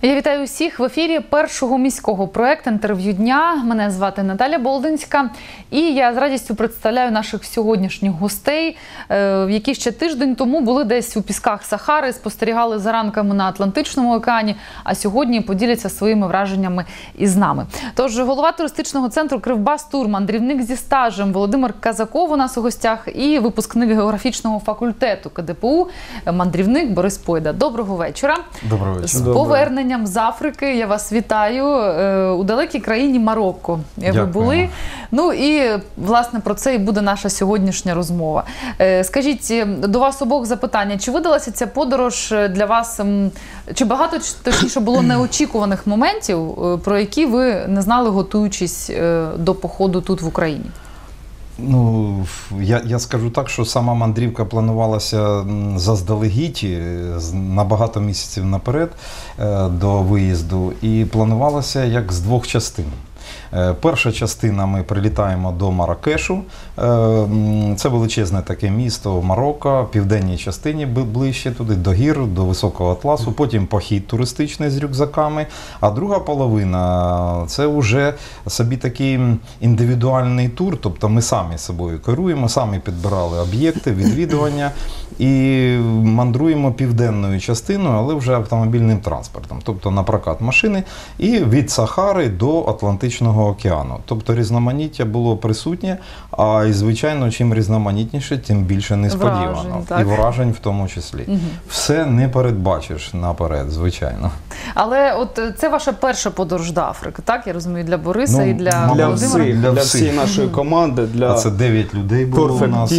Я вітаю усіх в ефірі першого міського проєкту «Інтерв'ю дня». Мене звати Наталя Болдинська. І я з радістю представляю наших сьогоднішніх гостей, які ще тиждень тому були десь у пісках Сахари, спостерігали за ранками на Атлантичному океані, а сьогодні поділяться своїми враженнями із нами. Тож голова туристичного центру «Кривбас-Тур», мандрівник зі стажем Володимир Казаков у нас у гостях і випускник географічного факультету КДПУ, мандрівник Борис Пойда. Доброго вечора. Доброго вечора. З поверненням з Африки я вас вітаю у далекій країні Марокко. Ви були. Ну і, власне, про це і буде наша сьогоднішня розмова. Скажіть, до вас обох запитання. Чи видалася ця подорож для вас, чи багато, точніше, було неочікуваних моментів, про які ви не знали, готуючись до походу тут в Україні? Ну, я скажу так, що сама мандрівка планувалася заздалегідь, на багато місяців наперед до виїзду, і планувалася як з двох частин. Перша частина, ми прилітаємо до Маракешу, це величезне таке місто Марокко, в південній частині ближче туди, до гір, до Високого Атласу, потім похід туристичний з рюкзаками, а друга половина – це вже собі такий індивідуальний тур, тобто ми самі собою керуємо, самі підбирали об'єкти, відвідування і мандруємо південною частиною, але вже автомобільним транспортом, тобто на прокат машини і від Сахари до Атлантичного океану. Тобто різноманіття було присутнє, а і, звичайно, чим різноманітніше, тим більше несподівано. І вражень в тому числі. Угу. Все не передбачиш наперед, звичайно. Але от це ваша перша подорож до Африки, так? Я розумію, для Бориса і для Володимира? Для всієї нашої команди. А це 9 людей було у нас.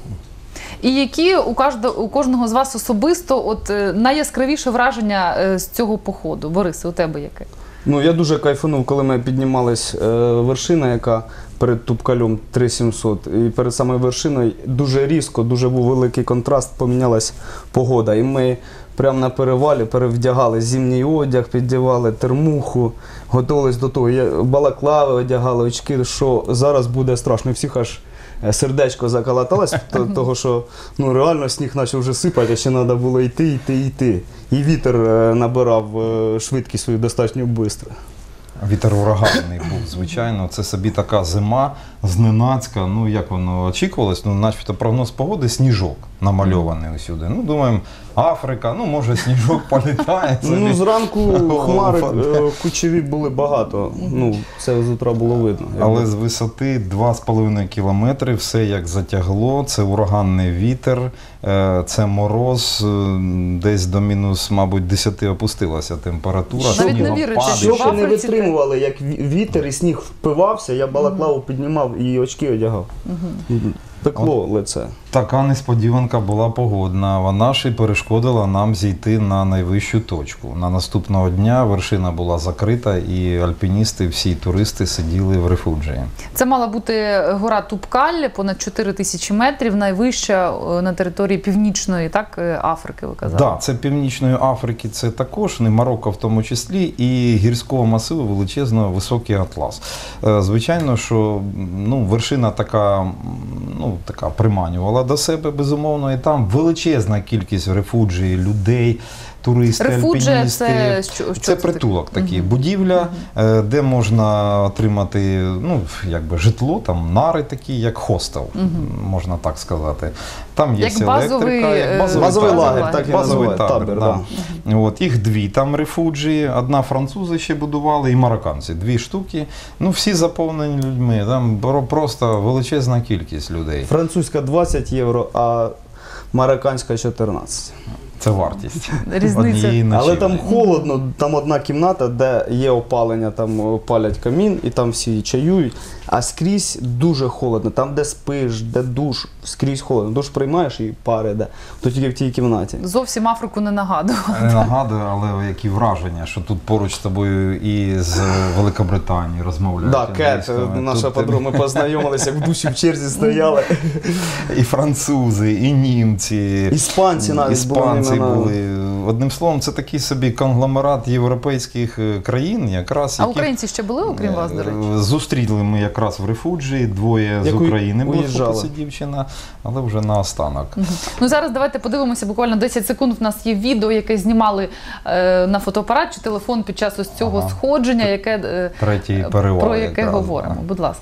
І які у кожного з вас особисто от найяскравіше враження з цього походу? Борисе, у тебе яке? Ну, я дуже кайфанув, коли ми піднімались вершина, яка перед Тупкалем 3700. І перед самою вершиною дуже різко, дуже був великий контраст, помінялась погода. І ми прямо на перевалі перевдягали зимній одяг, піддівали термуху, готувалися до того. Балаклави одягали, очки, що зараз буде страшно. І всіх аж сердечко заколоталось, того що реально сніг почав вже сипати, а ще треба було йти. І вітер набирав швидкість свою достатньо швидко. Вітер ураганний був, звичайно. Це собі така зима, зненацька. Ну, як воно очікувалось, начебто прогноз погоди – сніжок намальований усюди. Ну, думаємо, Африка, може сніжок політає. Ну, зранку хмари кучеві були багато. Ну, це з утра було видно. Але з висоти 2,5 кілометри все як затягло. Це ураганний вітер, це мороз, десь до мінус, мабуть, 10 опустилася температура. Навіть не вірите, що в Африці не витримували, як вітер і сніг впивався, я балаклаву піднімав і очки одягав. Пекло лице. Така несподіванка була погодна. Вона ж і перешкодила нам зійти на найвищу точку. На наступного дня вершина була закрита і альпіністи, всі туристи сиділи в рефуджії. Це мала бути гора Тупкаль, понад 4000 метрів, найвища на території Північної, так, Африки, ви казали? Так, це Північної Африки, це також, не Марокко в тому числі, і гірського масиву величезного Високий Атлас. Звичайно, що вершина така приманювала до себе, безумовно, і там величезна кількість рефуджій, людей, туристи, альпіністи. Це притулок такий, будівля, де можна отримати житло, там нари такі, як хостел, можна так сказати. Там є електрика, базовий лагер, так і називають, табір. Їх дві там рефуджії, одна французи ще будували і марокканці, 2 штуки. Всі заповнені людьми, там просто величезна кількість людей. Французька 20 євро, а марокканська 14. Це вартість. Різниця. Але там холодно, там одна кімната, де є опалення, там палять камін і там всі чаюють, а скрізь дуже холодно. Там, де спиш, де душ, скрізь холодно. Душ приймаєш і пар іде, то тільки в тій кімнаті. Зовсім Африку не нагадує. Не нагадує, але які враження, що тут поруч з тобою і з Великобританії розмовляють. Так, Кет, наша подруга, ми познайомилися, як в душі в черзі стояли. І французи, і німці. Іспанці навіть були делегації на... були. Одним словом, це такий собі конгломерат європейських країн, якраз. А українці ще були, окрім вас, до речі? Зустріли ми якраз в Рефуджі, двоє з України були, хлопець і дівчина, але вже наостанок. Ну, зараз давайте подивимося, буквально 10 секунд. У нас є відео, яке знімали на фотоапарат чи телефон під час ось цього сходження, яке, третій перевал, про яке якраз, говоримо. да. Будь ласка.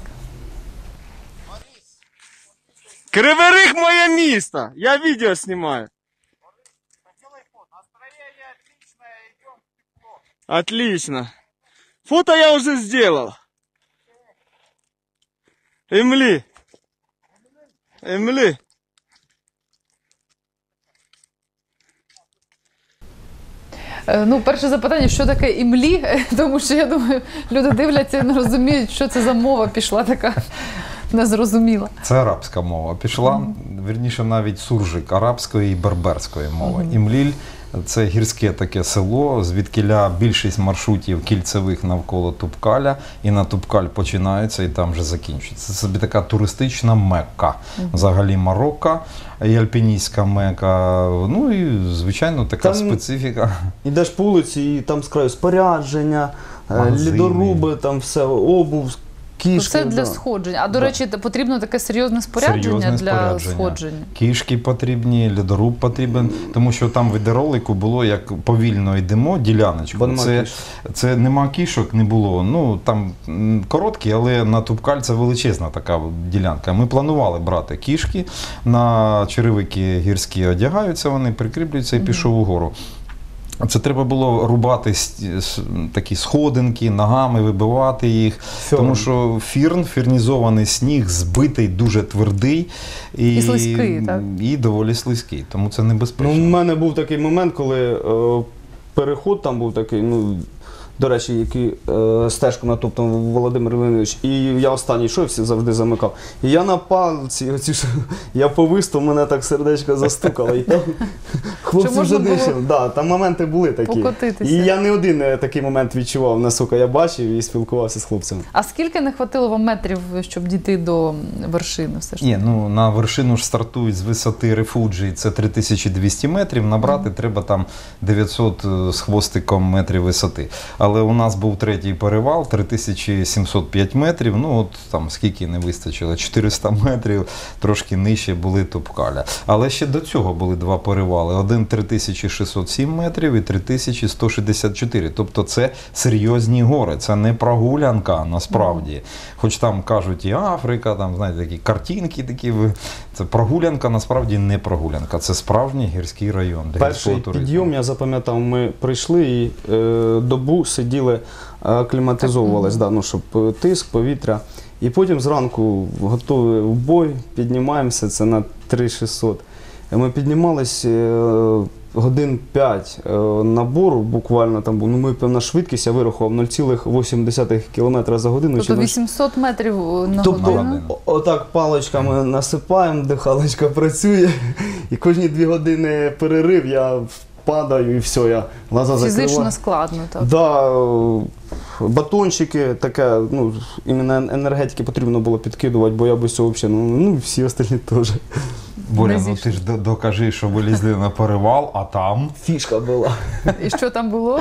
Кривий Ріг моє місто. Я відео знімаю. Отлично. Фото я уже сделал. Эмли. Эмли. Ну, перше запитання, що таке імлі? Тому що, я думаю, люди дивляться і не розуміють, що це за мова пішла така незрозуміла. Це арабська мова пішла, вірніше навіть суржик арабської і берберської мови. Імліль – це гірське таке село, звідкіля більшість маршрутів кільцевих навколо Тупкаля, і на Тупкаль починаються і там вже закінчується. Це собі така туристична Мекка. Взагалі Марокко і альпіністська Мекка, ну і, звичайно, така там специфіка. Ідеш по вулиці і там з краю спорядження, лідоруби, там все, обув, кішки. Це для сходження. А, до речі, потрібно таке серйозне спорядження для сходження? Кішки потрібні, льодоруб потрібен, тому що там в відеоролику було, як повільно йдемо, діляночку. Це нема кішок, не було. Ну, там короткі, але на Тупкаль це величезна така ділянка. Ми планували брати кішки, на черевики гірські одягаються, вони прикріплюються і пішов угору. Це треба було рубати такі сходинки, ногами вибивати їх, тому що фірнізований сніг, збитий, дуже твердий і слизький, так? І доволі слизький, тому це небезпечно. Ну, у мене був такий момент, коли переход там був такий, ну, до речі, який стежку натоптав Володимир Леонідович, і я останній йшов, всі завжди замикав. І я на палці, я повис, мене так сердечко застукало. І там хлопці вже дишали. Да, там моменти були такі. Покотитися. І я не один такий момент відчував, наскільки я бачив і спілкувався з хлопцями. А скільки не хватило вам метрів, щоб дійти до вершини? Все ж? Ні, ну на вершину ж стартують з висоти Рефуджі, це 3200 метрів, набрати треба там 900 з хвостиком метрів висоти. Але у нас був третій перевал, 3705 метрів, ну от там скільки не вистачило, 400 метрів, трошки нижче були Тупкаля. Але ще до цього були два перевали, один 3607 метрів і 3164, тобто це серйозні гори, це не прогулянка насправді. Хоч там кажуть і Африка, там, знаєте, такі картинки такі, це прогулянка, насправді не прогулянка, це справжній гірський район. Перший підйом, я запам'ятав, ми прийшли і добу сиділи, акліматизовувались, да, ну, щоб тиск, повітря. І потім зранку готові в бой, піднімаємося, це на 3600. Ми піднімались годин 5 набору, буквально там був, ну, ми певна швидкість, я вирахував 0,8 км за годину. Тобто 800 метрів на годину? Отак паличками насипаємо, дихалочка працює, і кожні 2 години перерив, я падаю і все, я глаза закриваю. Фізично складно, так? Да, батончики, таке, ну, іменно енергетики потрібно було підкидувати, бо я без цього взагалі, ну, всі остальні теж. Боря, ну ти ж докажи, що вилізли на перевал, а там? Фішка була. І що там було?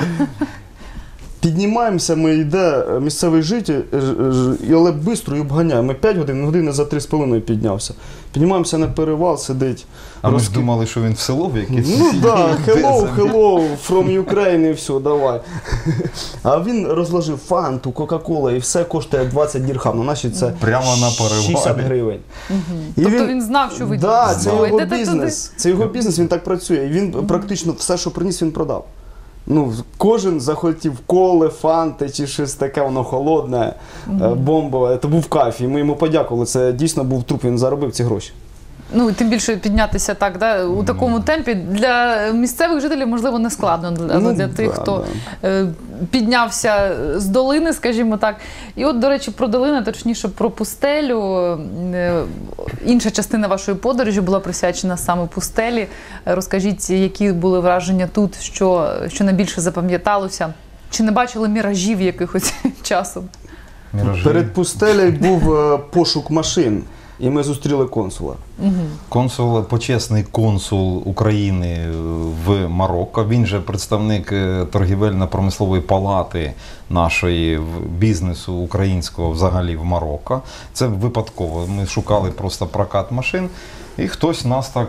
Піднімаємося, ми йде місцевий житель, але швидко і обганяє. Ми 5 годин, години за 3,5 піднявся. Піднімаємося на перевал, сидить. А ми ж думали, що він в село в якесь. Ну так, hello, from Ukraine і все, давай. А він розложив фанту, кока-кола і все коштує 20 дірхам. На наші це прямо на перевалі. 60 гривень. Тобто він знав, що ви так, це його бізнес. Це його бізнес, він так працює. І він практично все, що приніс, він продав. Ну, кожен захотів коли, фанти чи щось таке, воно холодне, бомбове. Це був кайф, і ми йому подякували. Це дійсно був труп, він заробив ці гроші. Ну, тим більше піднятися так, да, у такому темпі для місцевих жителів, можливо, не складно, але для тих, хто піднявся з долини, скажімо так. І от, до речі, про долину, точніше, про пустелю. Інша частина вашої подорожі була присвячена саме пустелі. Розкажіть, які були враження тут, що найбільше запам'яталося? Чи не бачили міражів якихось часом? Міражі. Перед пустелею був пошук машин. і ми зустріли консула. Почесний консул України в Марокко. Він же представник торгівельно-промислової палати нашої бізнесу українського взагалі в Марокко. Це випадково. Ми шукали просто прокат машин, і хтось нас так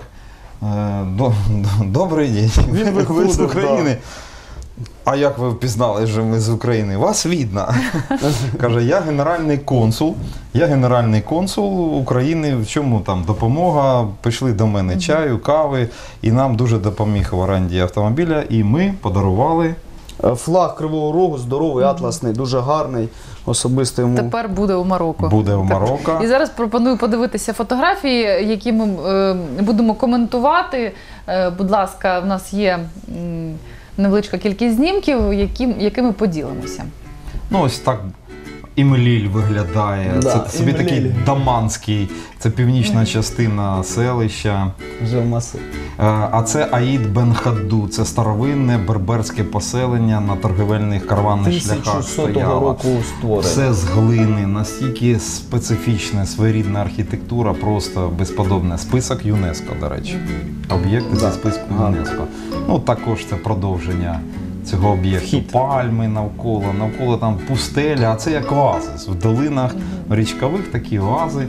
добрий день, ви з України. А як ви впізнали, що ми з України? Вас видно. Каже, я генеральний консул України, в чому там допомога, пішли до мене чаю, кави, і нам дуже допоміг в оренді автомобіля, і ми подарували флаг Кривого Рогу, здоровий, атласний, дуже гарний, особисто йому. Тепер буде у Марокко. Буде у Марокко. І зараз пропоную подивитися фотографії, які ми будемо коментувати. Будь ласка, в нас є невеличка кількість знімків, якими поділимося. Ну, ось так Імліль виглядає. Да, це собі Імліль. такий даманський, це північна частина селища. Вже в маси. А це Аїд Бен Хадду, це старовинне берберське поселення на торгівельних караванних шляхах 1100 стояло. року створене. Все з глини, настільки специфічне, своєрідна архітектура, просто безподобне. Список ЮНЕСКО, до речі. Об'єкти зі списку ЮНЕСКо. Ну, також це продовження цього об'єкту. Пальми навколо там пустеля, а це як оазис. В долинах річкових такі оази.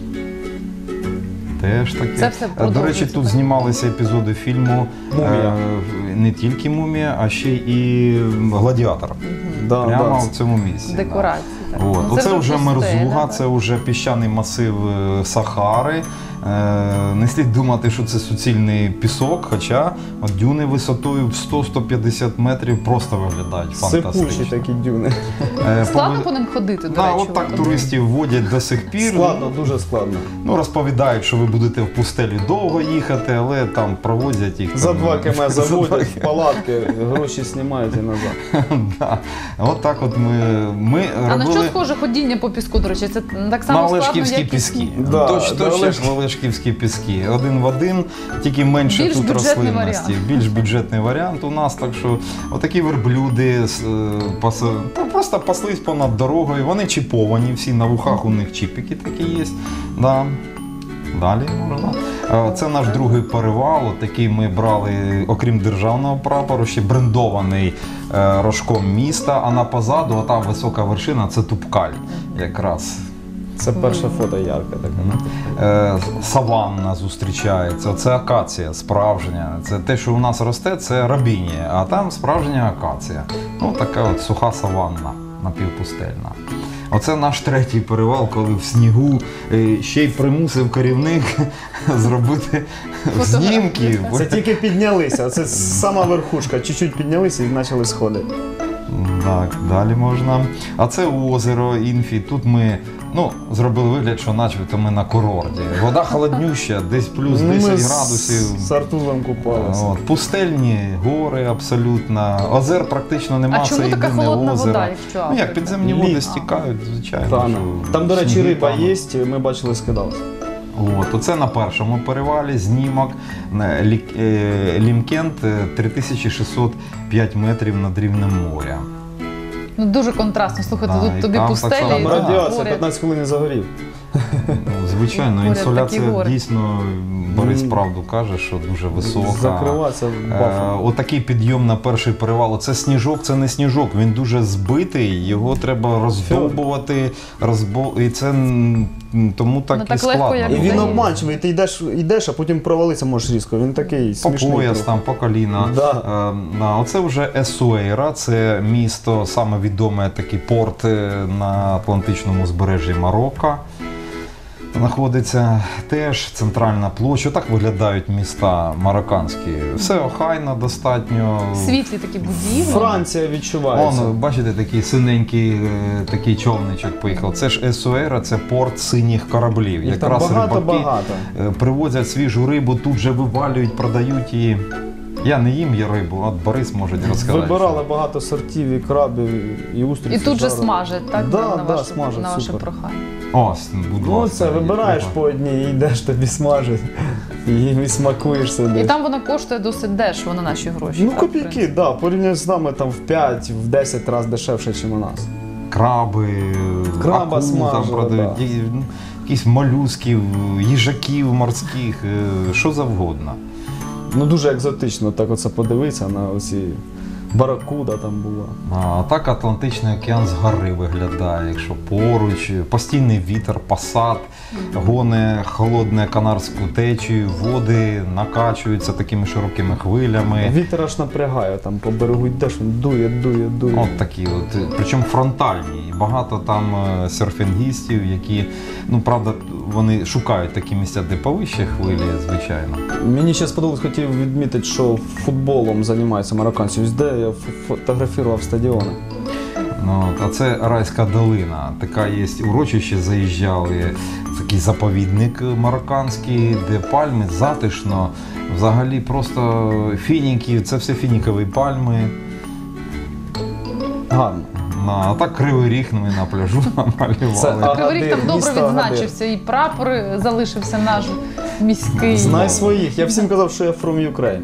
Теж таке. Це все До продовжується, речі, тут так? знімалися епізоди фільму «Мумія». Не тільки «Мумія», а ще і «Гладіатор». Прямо в цьому місці. Декорації. Так. От. Ну, Оце вже пустеля, Мерзуга, так. це вже піщаний масив Сахари. Не слід думати, що це суцільний пісок, хоча от дюни висотою в 100-150 метрів просто виглядають фантастично. Сипучі такі дюни. Складно по ним ходити, до Да, речі. от так туристів водять до сих пір. Складно, дуже складно. Ну, розповідають, що ви будете в пустелі довго їхати, але там проводять їх. За там, 2 км за 2 заводять в палатки, гроші знімають і назад. Да. От так от ми А на що робили схоже ходіння по піску, до речі? Це так само на складно, Олешківські як піски. Да, Точно да, як Олешківські піски. Один в один, тільки менше Більш тут бюджетний рослинності. варіант. Більш бюджетний варіант у нас, так що отакі верблюди просто паслись понад дорогою. Вони чіповані, всі на вухах у них чіпики такі є. Да. Далі можна. Це наш другий перевал. Такий ми брали, окрім державного прапору, ще брендований рожком міста, а на позаду ота висока вершина – це Тупкаль якраз. Це перше фото ярке таке. Саванна зустрічається, це акація справжня. Це те, що у нас росте, це рабінія, а там справжня акація. Ну, така от суха саванна, напівпустельна. Оце наш третій перевал, коли в снігу ще й примусив керівник зробити знімки. Це тільки піднялися, це сама верхушка, чуть-чуть піднялися і почали сходи. Так, далі можна. А це озеро Інфі. Тут ми зробили вигляд, що начебто ми на курорті. Вода холоднюща, десь плюс 10 градусів. З Артузом купалися. От, пустельні гори абсолютно. Озер практично немає. А чому це така єдине холодна озеро. вода, якщо Ну як, Африка? підземні води Лід. стікають, звичайно. Тане. що Там, до речі, сніги риба тануть. є, ми бачили, скидалися. От, оце на першому перевалі знімок. Лімкент 3605 метрів над рівнем моря. Ну, дуже контрастно. Слухайте, Да, тут і тобі там так пустелі, само і Там тут радіація, поряд. 15 хвилин і загорів. Ну, звичайно, Поряд такі інсоляція гори. дійсно, Борис правду каже, що дуже висока. Закриватися бафом. Отакий підйом на перший перевал. Це сніжок, це не сніжок, він дуже збитий, його треба роздовбувати, і це тому так Ну, і так легко, складно. як І він здається. обманчивий, ти йдеш, а потім провалитися можеш різко. Він такий По смішний. пояс, трохи. там, по коліна. Да. Оце вже Есуейра, це місто, саме відоме такий порт на Атлантичному узбережжі Марокко. Знаходиться теж центральна площа. Так виглядають міста марокканські. Все охайно, достатньо. Світлі такі будівлі. Франція відчувається. Вон, бачите, такий синенький такий човничок поїхав. Це ж Есуейра, це порт синіх кораблів. Їх там Якраз рибаки багато-багато. привозять свіжу рибу, тут же вивалюють, продають її. Я не їм є рибу, от Борис може розказати. Вибирали багато сортів і крабів, і устриці. І тут же жарили. смажать, так? Да, на да, ваше, смажать, на ваше супер. прохання. Ось, будь Ну ласка. це, вибираєш треба. по одній і йдеш, тобі смажать. І смакуєш І сидиш. там вона коштує досить дешево на наші гроші. Ну так, в копійки, принципі. да, порівняно з нами там в 5-10 разів дешевше, ніж у нас. Краби, Краба акул там смажили, продають. да. якихось молюсків, їжаків морських, що завгодно. Ну дуже екзотично так оце подивитися на оці баракуда там була. А так Атлантичний океан згори виглядає, якщо поруч, постійний вітер, пасат, гоне холодне Канарську течію, води накачуються такими широкими хвилями. Вітер аж напрягає, там по берегу йдеш, він дує. От такі от, причому фронтальні. І багато там серфінгістів, які, ну правда, вони шукають такі місця, де повище хвилі, звичайно. Мені ще сподобалось, хотів відмітити, що футболом займаються марокканці. Ось де я фотографував стадіони. Ну, а це Райська долина. Така є урочище, заїжджали, такий заповідник марокканський, де пальми, затишно. Взагалі просто фініки, це все фінікові пальми. Гарно. А так Кривий Ріг ми на пляжу намалювали. Кривий Ріг там добре місто відзначився, і прапор залишився наш міський. Знай своїх. Я всім казав, що я from Ukraine.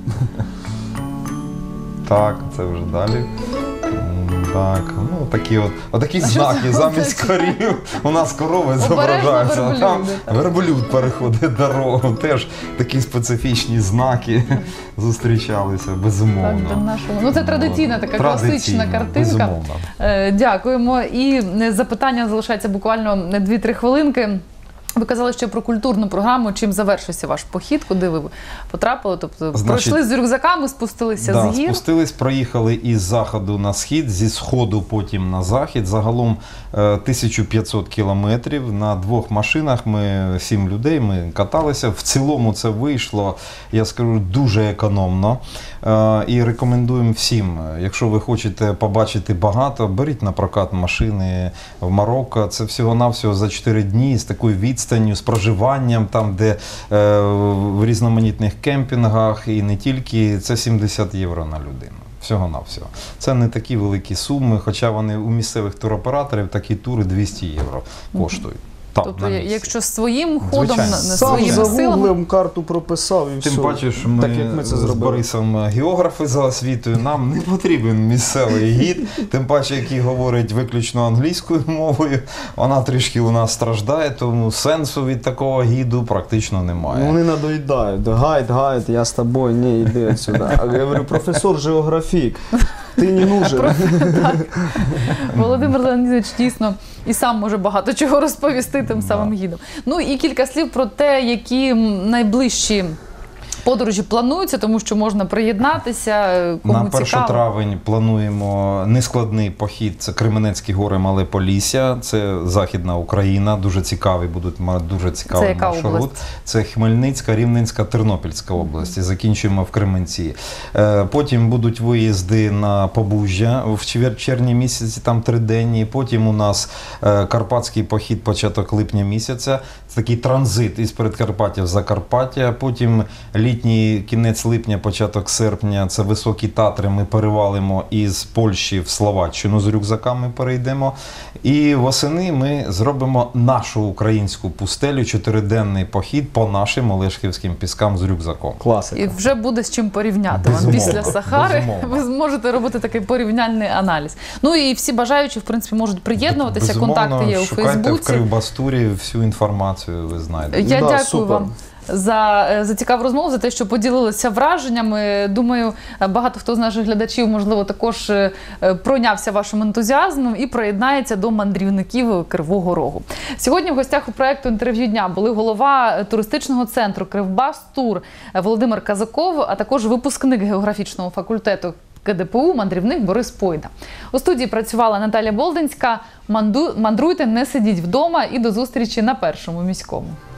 Так, це вже далі. Так, ну такі отакі знаки замість корів. У нас корови зображаються, а там верблюд переходить дорогу. Теж такі специфічні знаки зустрічалися, безумовно. Так, ну це традиційна така класична картинка. Безумовно. Дякуємо. І запитання залишається буквально 2-3 хвилинки. Ви казали ще про культурну програму, чим завершився ваш похід, куди ви потрапили? Тобто пройшли з рюкзаками, спустилися з гір? Спустились, проїхали із заходу на схід, зі сходу потім на захід. Загалом 1500 кілометрів. На 2 машинах ми 7 людей, ми каталися. В цілому це вийшло, я скажу, дуже економно. І рекомендуємо всім, якщо ви хочете побачити багато, беріть на прокат машини в Марокко. Це всього-навсього за 4 дні з такою відстанню, з проживанням, там, де в різноманітних кемпінгах і не тільки, це 70 євро на людину. Всього-навсього. Це не такі великі суми, хоча вони у місцевих туроператорів такі тури 200 євро коштують. Тобто, якщо своїм ходом, Звичайно. своїми Сам силами... загуглив, карту прописав і все. Тим паче, що Так, як ми ми це з зробили. Борисом географи за освітою, нам не потрібен місцевий гід, тим паче, який говорить виключно англійською мовою, вона трішки у нас страждає, тому сенсу від такого гіду практично немає. Вони надоїдають. Гайд, я з тобою, ні, йди отсюди. А я говорю, професор географік, ти не нужен. Володимир Леонідович дійсно і сам може багато чого розповісти тим самим гідом. Ну і кілька слів про те, які найближчі подорожі плануються, тому що можна приєднатися, кому На 1 цікаво. травень плануємо нескладний похід, це Кременецькі гори, Мале Полісся, це Західна Україна, дуже цікаві будуть, дуже цікавий Це яка маршрут. область? Це Хмельницька, Рівненська, Тернопільська області, закінчуємо в Кременці. Потім будуть виїзди на Побужжя в червні місяці, там 3-денні, потім у нас Карпатський похід початок липня місяця, це такий транзит із Передкарпаття в Закарпаття, потім літній кінець липня, початок серпня, це Високі Татри, ми перевалимо із Польщі в Словаччину, з рюкзаками перейдемо. І восени ми зробимо нашу українську пустелю, 4-денний похід по нашим Олешківським піскам з рюкзаком. Класика. І вже буде з чим порівняти. Безумовно, Після Сахари безумовно. ви зможете робити такий порівняльний аналіз. Ну і всі бажаючі, в принципі, можуть приєднуватися, Безумовно, контакти є у шукайте Фейсбуці. в Кривбастурі, всю інформацію ви знайдете. Я Да, дякую супер. вам за цікаву розмову, за те, що поділилися враженнями. Думаю, багато хто з наших глядачів, можливо, також пройнявся вашим ентузіазмом і приєднається до мандрівників Кривого Рогу. Сьогодні в гостях у проєкту «Інтерв'ю дня» були голова туристичного центру «Кривбастур» Володимир Казаков, а також випускник географічного факультету КДПУ, мандрівник Борис Пойда. У студії працювала Наталя Болдинська. Мандруйте, не сидіть вдома і до зустрічі на Першому міському.